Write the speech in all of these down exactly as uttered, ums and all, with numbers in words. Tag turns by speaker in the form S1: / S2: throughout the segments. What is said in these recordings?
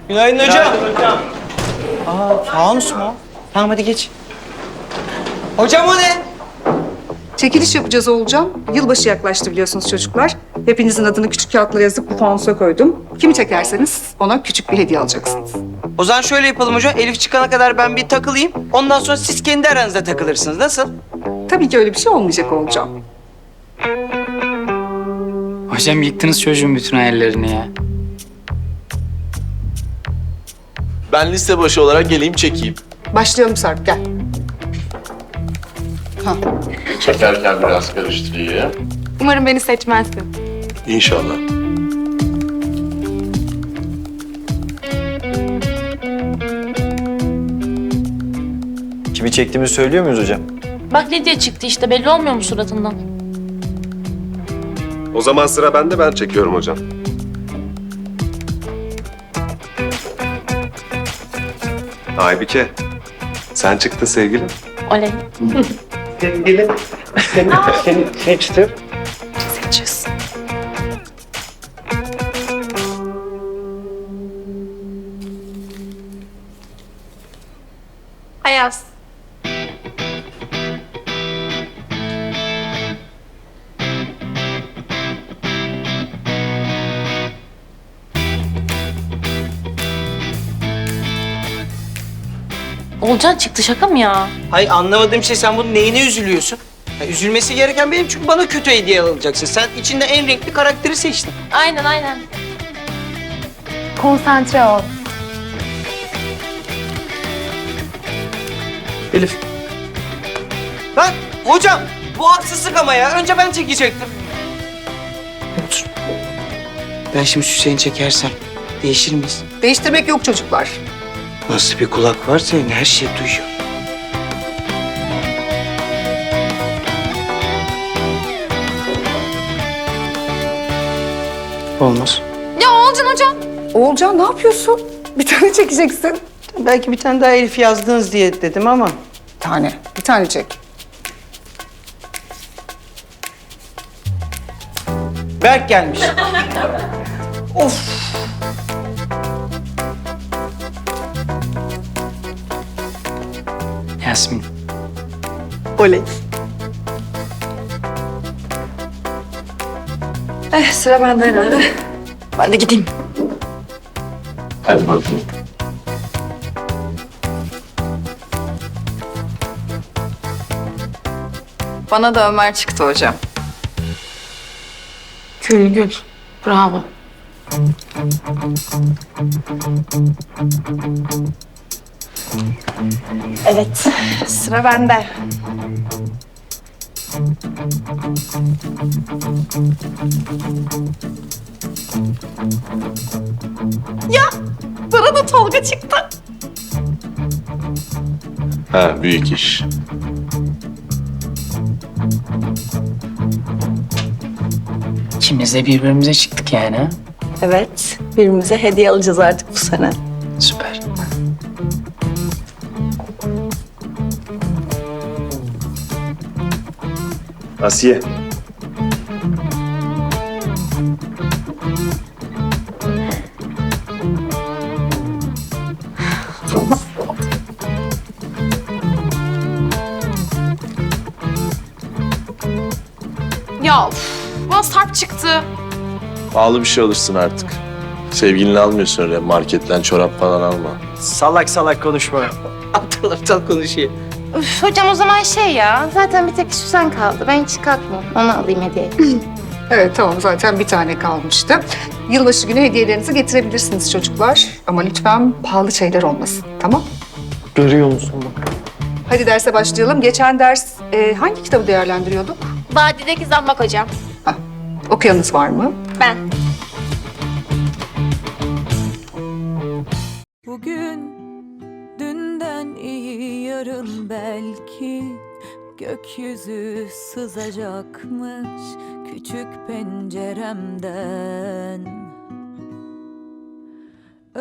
S1: Günaydın hocam.
S2: Günaydın hocam.
S1: Aa, fanus mu? Tamam hadi geç. Hocam o ne?
S3: Çekiliş yapacağız olacağım. Yılbaşı yaklaştı biliyorsunuz çocuklar. Hepinizin adını küçük kağıtlara yazıp bu fanusa koydum. Kimi çekerseniz ona küçük bir hediye alacaksınız.
S1: O zaman şöyle yapalım hocam. Elif çıkana kadar ben bir takılayım. Ondan sonra siz kendi aranızda takılırsınız. Nasıl?
S3: Tabii ki öyle bir şey olmayacak olacağım.
S4: Hocam yıktınız çocuğun bütün hayallerini ya.
S2: Ben liste başı olarak geleyim çekeyim.
S3: Başlayalım Sarp, gel. Ha.
S5: Çekerken biraz karıştırayım.
S6: Umarım beni seçmezsin.
S5: İnşallah.
S7: Kimi çektiğimizi söylüyor muyuz hocam?
S8: Bak Lidya çıktı işte, belli olmuyor mu suratından?
S9: O zaman sıra bende, ben çekiyorum hocam. Aybike, sen çıktın sevgilim.
S8: Oley.
S2: Sevgilim, seni, seni seçtim.
S6: Seçiyorsun. Ayaz.
S8: Olcan çıktı, şaka mı ya?
S1: Hayır anlamadığım şey, sen bunun neyine üzülüyorsun? Ya, üzülmesi gereken benim, çünkü bana kötü hediye alacaksın. Sen içinde en renkli karakteri seçtin.
S8: Aynen aynen.
S6: Konsantre ol.
S1: Elif. Lan hocam, bu haksızlık ama ya. Önce ben çekecektim. Otur. Ben şimdi Hüseyin çekersem değişir miyiz?
S3: Değiştirmek yok çocuklar.
S1: Nasıl bir kulak var senin, her şeyi duyuyor. Olmaz.
S6: Ya Olcan hocam.
S3: Oğulcan ne yapıyorsun? Bir tane çekeceksin.
S1: Belki bir tane daha Elif yazdınız diye dedim ama.
S3: Bir tane, bir tane çek.
S1: Berk gelmiş. Of.
S4: Yasmin.
S1: Oley.
S6: Eh sıra bende herhalde. Ben de gideyim.
S5: Hadi bakalım.
S6: Bana da Ömer çıktı hocam.
S8: Gül gül. Bravo.
S6: Evet, sıra bende. Ya, bana da Tolga çıktı.
S5: Ha, büyük iş.
S4: İkimiz de birbirimize çıktık yani ha.
S10: Evet, birbirimize hediye alacağız artık bu sene.
S4: Süper.
S9: Asiye.
S6: Ya uf, bana Sarp çıktı.
S2: Pahalı bir şey alırsın artık. Sevgilini almıyorsun öyle, marketten çorap falan alma.
S7: Salak salak konuşma.
S1: Aptal aptal konuşuyor.
S6: Üf, hocam o zaman şey ya, zaten bir tek Süsen kaldı. Ben hiç kalkmıyorum, onu alayım hediye.
S3: Evet tamam, zaten bir tane kalmıştı. Yılbaşı günü hediyelerinizi getirebilirsiniz çocuklar. Ama lütfen pahalı şeyler olmasın, tamam?
S2: Görüyor musun bak?
S3: Hadi derse başlayalım. Geçen ders e, hangi kitabı değerlendiriyorduk?
S6: Vadideki zambak hocam.
S3: Hah, okuyanınız var mı?
S6: Ben.
S10: Bugün dünden iyi, yarın belki gökyüzü sızacakmış küçük penceremden.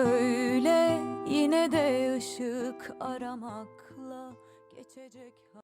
S10: Öyle yine de ışık aramakla geçecek.